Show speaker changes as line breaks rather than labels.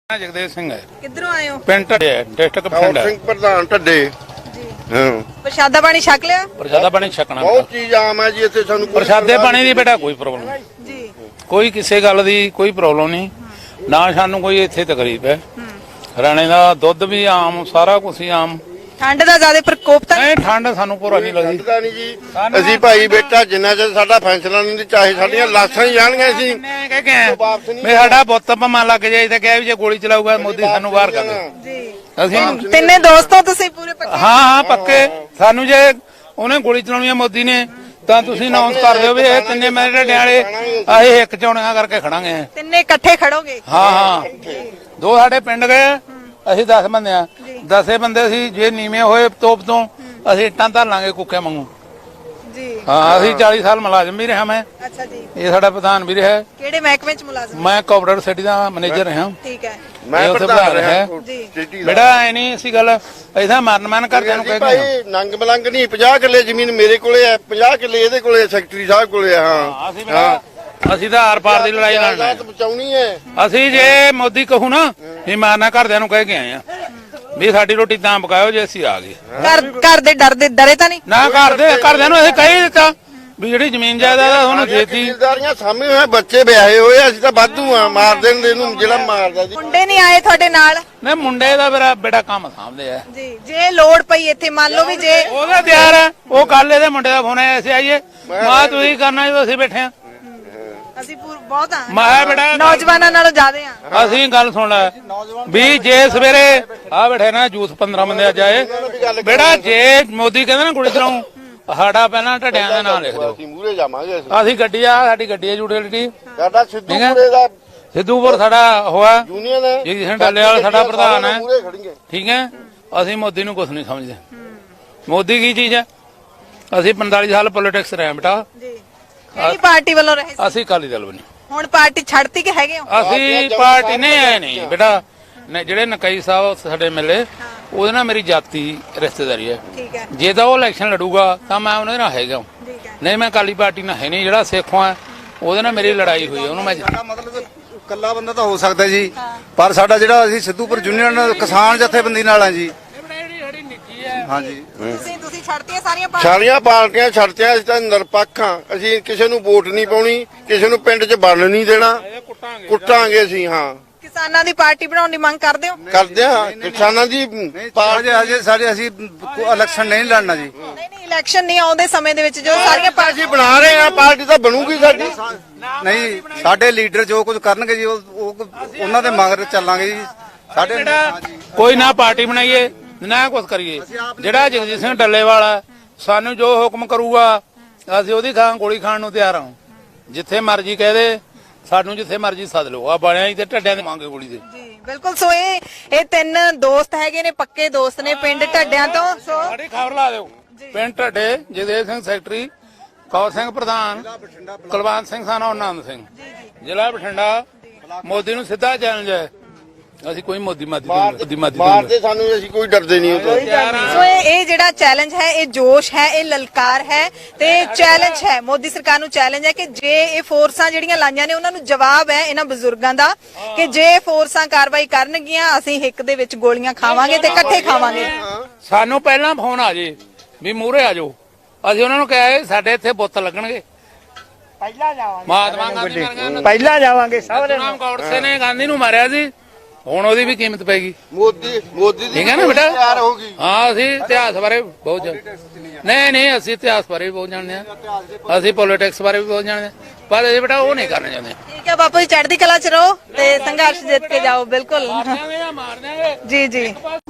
जगदेव सिंह है।
किधरों आए हो?
पिंड ढड्डे है, डिस्ट्रिक्ट पिंड है।
ਸਿੰਘ ਪ੍ਰਧਾਨ ਢੱਡੇ
जी
ਹਾਂ
प्रशादा पानी छक लिया?
प्रसादा पानी छकना
ਬਹੁਤ ਚੀਜ਼ ਆਮ ਹੈ ਜੀ ਇੱਥੇ ਸਾਨੂੰ ਕੋਈ
प्रसादे पानी ਦੀ बेटा कोई प्रॉब्लम नहीं,
जी
कोई किसी गल ਦੀ कोई प्रॉब्लम नहीं ना ਸਾਨੂੰ ਕੋਈ ਇੱਥੇ ਤਕਲੀਫ ਹੈ। ਹਰਿਆਣੇ ਦਾ ਦੁੱਧ ਵੀ ਆਮ, ਸਾਰਾ ਕੁਝ ਹੀ ਆਮ।
ठंड का ज्यादा प्रकोप था?
ਨਹੀਂ ਠੰਡ ਸਾਨੂੰ ਪੂਰਾ ਨਹੀਂ ਲੱਗਦੀ।
ਲੱਗਦਾ ਨਹੀਂ ਜੀ। ਅਸੀਂ ਭਾਈ ਬੇਟਾ ਜਿੰਨਾ ਚਿਰ ਸਾਡਾ ਫੈਸਲਾ ਨਹੀਂ ਚਾਹੇ ਸਾਡੀਆਂ ਲਾਸ਼ਾਂ ਹੀ ਜਾਣਗੀਆਂ ਸੀ।
ਮੈਂ ਕਹਿ ਕੇ ਆਇਆ ਵੀ ਸਾਡਾ ਬੁੱਤ ਭਮਾ ਲੱਗ ਜਾਏ ਤੇ ਕਹਿ ਵੀ ਜੇ ਗੋਲੀ ਚਲਾਊਗਾ ਮੋਦੀ ਸਾਨੂੰ ਬਾਹਰ ਕਰ ਦੇ।
जी
ਅਸੀਂ
ਤਿੰਨੇ ਦੋਸਤੋਂ ਤੁਸੀਂ ਪੂਰੇ ਪੱਕੇ?
ਹਾਂ ਪੱਕੇ। ਸਾਨੂੰ ਜੇ ਉਹਨੇ ਗੋਲੀ ਚਲਾਉਣੀ ਹੈ ਮੋਦੀ ਨੇ ਤਾਂ ਤੁਸੀਂ ਅਨਾਉਂਸ ਕਰ ਦਿਓ ਵੀ ਇਹ ਤਿੰਨੇ ਮੇਰੇ ਢੱਡਿਆਂ ਵਾਲੇ ਅਸੀਂ ਇੱਕ ਚੌਣੀਆਂ ਕਰਕੇ ਖੜਾਂਗੇ।
ਤਿੰਨੇ ਇਕੱਠੇ ਖੜੋਗੇ?
ਹਾਂ ਹਾਂ ਦੋ ਸਾਡੇ ਪਿੰਡ ਗਏ, ਅਸੀਂ 10 ਬੰਦੇ ਆ। 10 ਬੰਦੇ ਅਸੀਂ ਜੇ ਨੀਵੇਂ ਹੋਏ ਤੋਪ ਤੋਂ ਅਸੀਂ ਇੱਟਾਂ ਧਰ ਲਾਂਗੇ ਕੁੱਕੇ ਵਾਂਗੂ।
ਜੀ
ਹਾਂ ਅਸੀਂ 40 ਸਾਲ ਮੁਲਾਜ਼ਮ ਵੀ ਰਿਹਾ ਮੈਂ,
ਅੱਛਾ ਜੀ।
ਇਹ ਸਾਡਾ ਪ੍ਰਧਾਨ ਵੀ ਰਿਹਾ।
ਕਿਹੜੇ ਮਹਿਕਮੇ ਚ ਮੁਲਾਜ਼ਮ?
ਮੈਂ ਕੋਆਪਰੇਟਿਵ ਸਿਟੀ ਦਾ ਮੈਨੇਜਰ ਰਿਹਾ।
ਠੀਕ ਹੈ
ਮੈਂ
ਇਹ ਉੱਥੇ
ਪ੍ਰਧਾਨ
ਪ੍ਰਧਾਨ
ਰਿਹਾ
ਜੀ।
ਸਿਟੀ ਦਾ
ਬੇਟਾ ਐ ਨਹੀਂ ਅਸੀਂ ਗੱਲ ਐਸਾ ਮਨ ਕਰਦਿਆਂ ਨੂੰ ਕਹਿ
ਭਾਈ
ਕੇ
ਨੰਗ ਮਲੰਗ ਨਹੀਂ 50 ਕਿੱਲੇ ਜ਼ਮੀਨ ਮੇਰੇ ਕੋਲੇ ਹੈ, 50 ਕਿੱਲੇ ਇਹਦੇ ਕੋਲੇ ਹੈ, ਸੈਕਟਰੀ ਸਾਹਿਬ ਕੋਲੇ ਹੈ। ਹਾਂ
ਅਸੀਂ ਤਾਂ ਆਰ ਪਾਰ ਦੀ ਲੜਾਈ ਲੜਨਾ ਹੈ।
ਬਚਾਉਣੀ ਹੈ।
ਅਸੀਂ ਜੇ ਮੋਦੀ ਕਹੂ ਨਾ ਵੀ ਮਾਰਨਾ ਘਰਦਿਆਂ ਨੂੰ ਕਹਿ ਕੇ ਆਏ ਆ ਵੀ ਸਾਡੀ ਰੋਟੀ ਤਾਂ ਪਕਾਇਓ ਜੇ ਅਸੀਂ ਆ ਗਏ।
ਘਰ ਦੇ ਡਰੇ ਤਾਂ ਨਹੀਂ?
ਨਾ ਘਰਦਿਆਂ ਨੂੰ ਅਸੀਂ ਕਹਿ ਦਿੱਤਾ ਵੀ ਜਿਹੜੀ ਜ਼ਮੀਨ ਜਾਇਦਾਦ ਆ ਉਹਨੂੰ ਦੇਤੀ।
ਜ਼ਿੰਮੇਦਾਰੀਆਂ ਸਾਹਮਣੇ ਹੋਏ, ਬੱਚੇ ਵਿਆਹੇ ਹੋਏ, ਅਸੀਂ ਤਾਂ ਵਾਧੂ ਆ। ਮਾਰ ਦੇਣ ਦੇ ਨੂੰ ਜਿਹੜਾ ਮਾਰਦਾ ਜੀ।
ਮੁੰਡੇ ਨਹੀਂ ਆਏ ਤੁਹਾਡੇ ਨਾਲ?
ਨਹੀਂ ਮੁੰਡੇ ਦਾ ਮੇਰਾ ਬੇਟਾ ਕੰਮ ਸਾਂਭਦੇ ਆ।
ਜੀ ਜੇ ਲੋੜ ਪਈ ਇੱਥੇ ਮੰਨ ਲਓ ਵੀ ਜੇ
ਉਹਦਾ ਤਿਆਰ ਹੈ। ਉਹ ਕੱਲ ਇਹਦੇ ਮੁੰਡੇ ਦਾ ਫੋਨ ਆਇਆ ਅਸੀਂ ਆਈਏ। ਮੈਂ ਤੁਸੀਂ ਕਰਨਾ ਜਦੋਂ ਅਸੀਂ ਬੈਠੇ ਆ।
ਅਸੀਂ ਬਹੁਤ ਆ
ਮੈਂ ਬੇਟਾ
ਨੌਜਵਾਨਾਂ ਨਾਲੋਂ ਜ਼ਿਆਦੇ ਆ।
ਅਸੀਂ ਗੱਲ ਸੁਣ ਲੈ ਵੀ ਜੇ ਸਵੇਰੇ ਆ ਬੈਠੇ ਨਾ ਜੂਸ 15 ਬੰਦੇ ਅੱਜ ਆਏ ਬੇਟਾ, ਜੇ ਮੋਦੀ ਕਹਿੰਦਾ ਨਾ ਕੁੜੀ ਚਲਾਉ ਸਾਡਾ ਪਹਿਲਾਂ ਢੱਡਿਆਂ ਦਾ ਨਾਮ ਲਿਖ ਦਿਓ।
ਅਸੀਂ ਮੂਹਰੇ ਜਾਵਾਂਗੇ।
ਅਸੀਂ ਗੱਡੀ ਆ, ਸਾਡੀ ਗੱਡੀ ਹੈ ਯੂਟਿਲਿਟੀ।
ਸਾਡਾ ਸਿੱਧੂਪੁਰੇ ਦਾ
ਸਿੱਧੂਪੁਰ ਸਾਡਾ ਹੋਇਆ
ਯੂਨੀਅਨ ਹੈ,
ਜੀ ਡੱਲੇ ਵਾਲਾ ਸਾਡਾ ਪ੍ਰਧਾਨ ਹੈ।
ਮੂਹਰੇ ਖੜੀਏ।
ਠੀਕ ਹੈ ਅਸੀਂ ਮੋਦੀ ਨੂੰ ਕੁਝ ਨਹੀਂ ਸਮਝਦੇ। ਮੋਦੀ ਕੀ ਚੀਜ਼ ਹੈ? ਅਸੀਂ 45 ਸਾਲ ਪੋਲਿਟਿਕਸ ਰਹੇ ਬੇਟਾ।
ਜੀ ਕਿਹੜੀ ਪਾਰਟੀ ਵੱਲੋਂ ਰਹੇ ਸੀ?
ਅਸੀਂ ਅਕਾਲੀ ਦਲ ਬਣੇ।
ਹੁਣ ਪਾਰਟੀ ਛੱਡਤੀ ਕਿ ਹੈਗੇ ਹੋ?
ਅਸੀਂ ਪਾਰਟੀ ਨਹੀਂ ਆਏ ਨਹੀਂ ਬੇਟਾ। ਜਿਹੜੇ ਨਕਈ ਸਾਹਿਬ ਸਾਡੇ ਮਿਲੇ ਉਹਦੇ ਨਾਲ ਮੇਰੀ ਜਾਤੀ ਰਿਸ਼ਤੇਦਾਰੀ ਹੈ।
ਠੀਕ ਹੈ
ਜੇ ਤਾਂ ਉਹ ਇਲੈਕਸ਼ਨ ਲੜੂਗਾ ਤਾਂ ਮੈਂ ਉਹਦੇ ਨਾਲ ਹੈਗਾ।
ਠੀਕ ਹੈ
ਨਹੀਂ ਮੈਂ ਅਕਾਲੀ ਪਾਰਟੀ ਨਾਲ ਹੈ ਨਹੀਂ। ਜਿਹੜਾ ਸਿੱਖੋਂ ਹੈ ਉਹਦੇ ਨਾਲ ਮੇਰੀ ਲੜਾਈ ਹੋਈ ਹੈ, ਉਹਨੂੰ ਮੈਂ
ਮਤਲਬ ਕੱਲਾ ਬੰਦਾ ਤਾਂ ਹੋ ਸਕਦਾ ਜੀ, ਪਰ ਸਾਡਾ ਜਿਹੜਾ ਅਸੀਂ ਸਿੱਧੂਪੁਰ ਯੂਨੀਅਨ ਕਿਸਾਨ ਜਥੇਬੰਦੀ ਨਾਲ ਆ ਜੀ। ਹਾਂਜੀ
ਤੁਸੀਂ ਛੱਡਤੀਆਂ ਸਾਰੀਆਂ ਪਾਰਟੀਆਂ?
ਸਾਰੀਆਂ ਪਾਰਟੀਆਂ ਛੱਡਤੀਆਂ। ਅਸੀਂ ਤਾਂ ਨਿਰਪੱਖ ਹਾਂ। ਅਸੀਂ ਕਿਸੇ ਨੂੰ ਵੋਟ ਨਹੀਂ ਪਾਉਣੀ, ਕਿਸੇ ਨੂੰ ਪਿੰਡ 'ਚ ਵੜਨ ਨਹੀਂ ਦੇਣਾ। ਕੁੱਟਾਂਗੇ ਅਸੀਂ। ਹਾਂ
ਕਿਸਾਨਾਂ ਦੀ ਪਾਰਟੀ ਬਣਾਉਣ ਦੀ ਮੰਗ ਕਰਦੇ ਹੋ?
ਕਰਦੇ ਹਾਂ। ਕਿਸਾਨਾਂ ਦੀ
ਹਜੇ ਸਾਡੇ ਅਸੀਂ ਇਲੈਕਸ਼ਨ ਨਹੀਂ ਲੜਨਾ ਜੀ।
ਨਹੀਂ ਇਲੈਕਸ਼ਨ ਨਹੀਂ ਆਉਂਦੇ ਸਮੇਂ ਦੇ ਵਿੱਚ ਜੋ ਸਾਰੀਆਂ ਪਾਰਟੀ
ਅਸੀਂ ਬਣਾ ਰਹੇ ਹਾਂ, ਪਾਰਟੀ ਤਾਂ ਬਣੂਗੀ ਸਾਡੀ।
ਨਹੀਂ ਸਾਡੇ ਲੀਡਰ ਜੋ ਕੁਝ ਕਰਨਗੇ ਜੀ ਉਹ ਉਹਨਾਂ ਦੇ ਮਗਰ ਚੱਲਾਂਗੇ ਜੀ। ਸਾਡੇ
ਕੋਈ ਨਾ ਪਾਰਟੀ ਬਣਾਈਏ ਨਾ ਕੁਝ ਕਰੀਏ। ਜਿਹੜਾ ਜਗਜੀਤ ਸਿੰਘ ਡੱਲੇਵਾਲ ਹੈ ਸਾਨੂੰ ਜੋ ਹੁਕਮ ਕਰੂਗਾ ਅਸੀਂ ਉਹਦੀ ਥਾਂ ਗੋਲੀ ਖਾਣ ਨੂੰ ਤਿਆਰ ਹਾਂ। ਜਿੱਥੇ ਮਰਜ਼ੀ ਕਹਿ ਦੇ ਸਾਨੂੰ, ਜਿੱਥੇ ਮਰਜ਼ੀ ਸੱਦ ਲਓ। ਆ ਬਣਿਆ ਹੀ ਤੇ ਢੱਡਿਆਂ ਦੇ ਮੰਗੇ ਗੋਲੀ ਦੇ।
ਜੀ ਬਿਲਕੁਲ। ਸੋ ਇਹ ਤਿੰਨ ਦੋਸਤ ਹੈਗੇ ਨੇ, ਪੱਕੇ ਦੋਸਤ ਨੇ ਪਿੰਡ ਢੱਡਿਆਂ ਤੋਂ। ਸੋ
ਸਾਡੀ ਖਬਰ ਲਾ ਦਿਓ। ਪਿੰਡ ਢੱਡੇ ਜਗਦੇਵ ਸਿੰਘ ਸੈਕਟਰੀ, ਕੌਰ ਸਿੰਘ ਪ੍ਰਧਾਨ, ਕੁਲਵੰਤ ਸਿੰਘ ਸਾਨਾ ਆਨੰਦ ਸਿੰਘ, ਜ਼ਿਲ੍ਹਾ ਬਠਿੰਡਾ। ਮੋਦੀ ਨੂੰ ਸਿੱਧਾ ਚੈਲੰਜ ਹੈ। ਅਸੀਂ ਕੋਈ ਮੋਦੀ
ਮਾਰਦੇ ਸਾਨੂੰ, ਅਸੀਂ ਕੋਈ ਡਰਦੇ ਨਹੀਂ ਉਹ ਤੋਂ।
ਸੋ ਇਹ ਜਿਹੜਾ ਚੈਲੰਜ ਹੈ, ਇਹ ਜੋਸ਼ ਹੈ, ਇਹ ਲਲਕਾਰ ਹੈ ਤੇ ਚੈਲੰਜ ਹੈ। ਮੋਦੀ ਸਰਕਾਰ ਨੂੰ ਚੈਲੰਜ ਹੈ ਕਿ ਜੇ ਇਹ ਫੋਰਸਾਂ ਜਿਹੜੀਆਂ ਲਾਈਆਂ ਨੇ ਉਹਨਾਂ ਨੂੰ ਜਵਾਬ ਹੈ ਇਹਨਾਂ ਬਜ਼ੁਰਗਾਂ ਦਾ ਕਿ ਜੇ ਫੋਰਸਾਂ ਕਾਰਵਾਈ ਕਰਨਗੀਆਂ ਅਸੀਂ ਹਿੱਕ ਦੇ ਵਿੱਚ ਗੋਲੀਆਂ ਖਾਵਾਂਗੇ ਤੇ ਇਕੱਠੇ ਖਾਵਾਂਗੇ।
ਸਾਨੂੰ ਪਹਿਲਾਂ ਫੋਨ ਆ ਜੇ ਵੀ ਮੂਹਰੇ ਆ ਜਾਓ। ਅਸੀਂ ਉਹਨਾਂ ਨੂੰ ਕਿਹਾ ਸਾਡੇ ਇੱਥੇ ਬੁੱਤ ਲੱਗਣਗੇ।
ਪਹਿਲਾਂ ਜਾਵਾਂਗੇ,
ਮਹਾਤਮਾ ਗਾਂਧੀ ਮਰ ਗਿਆ।
ਪਹਿਲਾਂ ਜਾਵਾਂਗੇ ਸਾਰੇ।
ਨਾਮ ਗੌਡਸੇ ਨੇ ਗਾਂਧੀ ਨੂੰ ਮਾਰਿਆ ਸੀ, ਹੁਣ ਉਹਦੀ ਵੀ ਕੀਮਤ ਪੈਗੀ।
ਮੋਦੀ ਦੀ
ਠੀਕ ਹੈ ਨਾ ਬੇਟਾ?
ਤਿਆਰ ਹੋ ਗਈ।
ਹਾਂ ਅਸੀਂ ਇਤਿਹਾਸ ਬਾਰੇ ਬਹੁਤ ਨਹੀਂ ਅਸੀਂ ਇਤਿਹਾਸ ਬਾਰੇ ਵੀ ਬਹੁਤ ਜਾਣਦੇ ਹਾਂ। ਅਸੀਂ ਪੋਲਿਟਿਕਸ ਬਾਰੇ ਵੀ ਬਹੁਤ ਜਾਣਦੇ ਹਾਂ, ਪਰ ਇਹ ਬੇਟਾ ਉਹ ਨਹੀਂ ਕਰਨਾ ਚਾਹੁੰਦੇ।
ਠੀਕ ਹੈ ਬਾਪੂ ਜੀ, ਚੜ੍ਹਦੀ ਕਲਾ ਚ ਰਹੋ ਤੇ ਸੰਘਰਸ਼ ਜਿੱਤ ਕੇ ਜਾਓ। ਬਿਲਕੁਲ
ਮਾਰ ਦਿਆਂਗੇ।
ਜੀ ਜੀ।